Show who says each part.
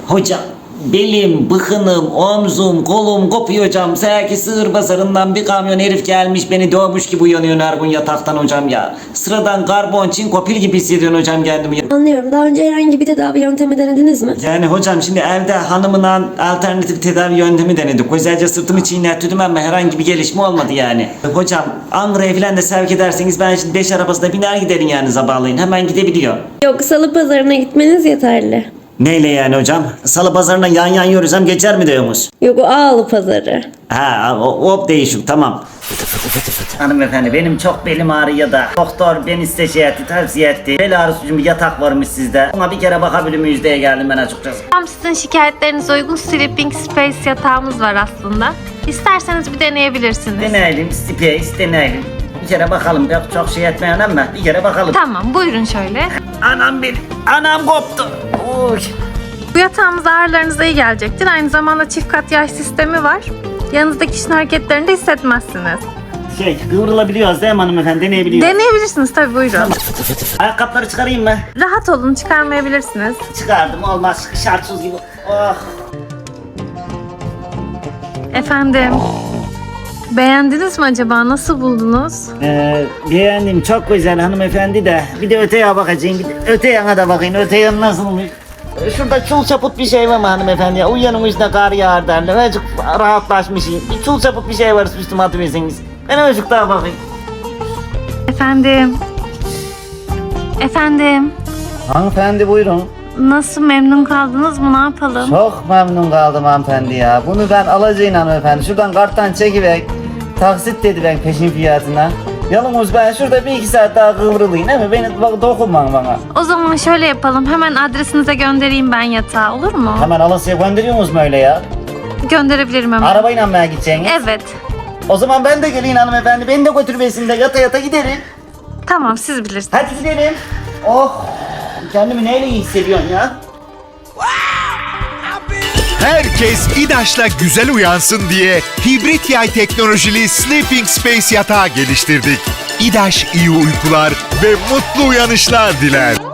Speaker 1: Hocam belim, bıkınım, omzum, kolum kopuyor hocam. Sanki sığır pazarından bir kamyon herif gelmiş beni dövmüş gibi uyanıyorum her gün yataktan hocam ya. Sıradan karbon, çinko, pil gibi hissediyorum hocam kendimi ya.
Speaker 2: Anlıyorum. Daha önce herhangi bir tedavi yöntemi denediniz mi?
Speaker 1: Yani hocam şimdi evde hanımla alternatif tedavi yöntemi denedik. Özellikle sırtımı çiğnettirdim ama herhangi bir gelişme olmadı yani. Hocam Ankara'ya falan da sevk ederseniz ben şimdi 5 arabasına biner giderim yani sabahleyin. Hemen gidebiliyor.
Speaker 2: Yok, salı pazarına gitmeniz yeterli.
Speaker 1: Neyle yani hocam? Salı pazarına yan yan yürüsem geçer mi diyorsunuz?
Speaker 2: Yok, o Ağlı pazarı.
Speaker 1: Ha, o değişik, tamam. Hanımefendi benim çok belim ağrıyor da doktor beni size tavsiye etti. Bel ağrısı için bir yatak varmış sizde. Ona bir kere bakabilir miyiz diye geldim ben açıkçası.
Speaker 3: Tam sizin şikayetlerinize uygun Sleeping Space yatağımız var aslında. İsterseniz bir deneyebilirsiniz.
Speaker 1: Deneyelim, space deneyelim. Bir kere bakalım, çok şey etmeyen ama bir kere bakalım.
Speaker 3: Tamam, buyurun şöyle.
Speaker 1: Anam benim, anam koptu. Uy.
Speaker 3: Bu yatağımız ağrılarınıza iyi gelecektir. Aynı zamanda çift kat yay sistemi var. Yanınızdaki kişinin hareketlerini de hissetmezsiniz.
Speaker 1: Kıvrılabiliyoruz değil mi hanımefendi? Deneyebiliyoruz.
Speaker 3: Deneyebilirsiniz tabii, buyurun.
Speaker 1: Ayakkabıları çıkarayım mı?
Speaker 3: Rahat olun, çıkarmayabilirsiniz.
Speaker 1: Çıkardım, olmaz. Şartsız gibi. Oh.
Speaker 3: Efendim, beğendiniz mi acaba? Nasıl buldunuz?
Speaker 1: Beğendim, çok güzel hanımefendi de. Bir de öte yana bakacağım, bir de öte yana da bakayım. Öte yan nasıl olmuş? Şurada çul çaput bir şey var mı hanımefendi ya? Uyanın üstüne kar yağar derler. Azıcık rahatlaşmışım. Bir çul çaput bir şey var üstüme atıverseniz. Ben azıcık daha bakayım.
Speaker 3: Efendim. Efendim.
Speaker 4: Hanımefendi buyurun.
Speaker 3: Nasıl, memnun kaldınız mı? Ne yapalım?
Speaker 4: Çok memnun kaldım hanımefendi ya. Bunu ben alacağım hanımefendi. Şuradan karttan çekiver. Taksit dedi ben peşin fiyatına. Yalnız ben şurada bir iki saat daha kıvrılayım değil mi? Beni dokunmayın bana.
Speaker 3: O zaman şöyle yapalım. Hemen adresinize göndereyim ben yatağı, olur mu?
Speaker 4: Hemen Alasya'ya gönderiyor musunuz öyle ya?
Speaker 3: Gönderebilirim hemen.
Speaker 4: Arabayla mı gideceksiniz?
Speaker 3: Evet.
Speaker 4: O zaman ben de geleyim hanımefendi. Beni de götürmesin de yata yata giderim.
Speaker 3: Tamam, siz bilirsiniz.
Speaker 4: Hadi gidelim. Oh. Kendimi neyle iyi hissediyorsun ya?
Speaker 5: Herkes İDAŞ'la güzel uyansın diye hibrit yay teknolojili Sleeping Space yatağı geliştirdik. İDAŞ iyi uykular ve mutlu uyanışlar diler.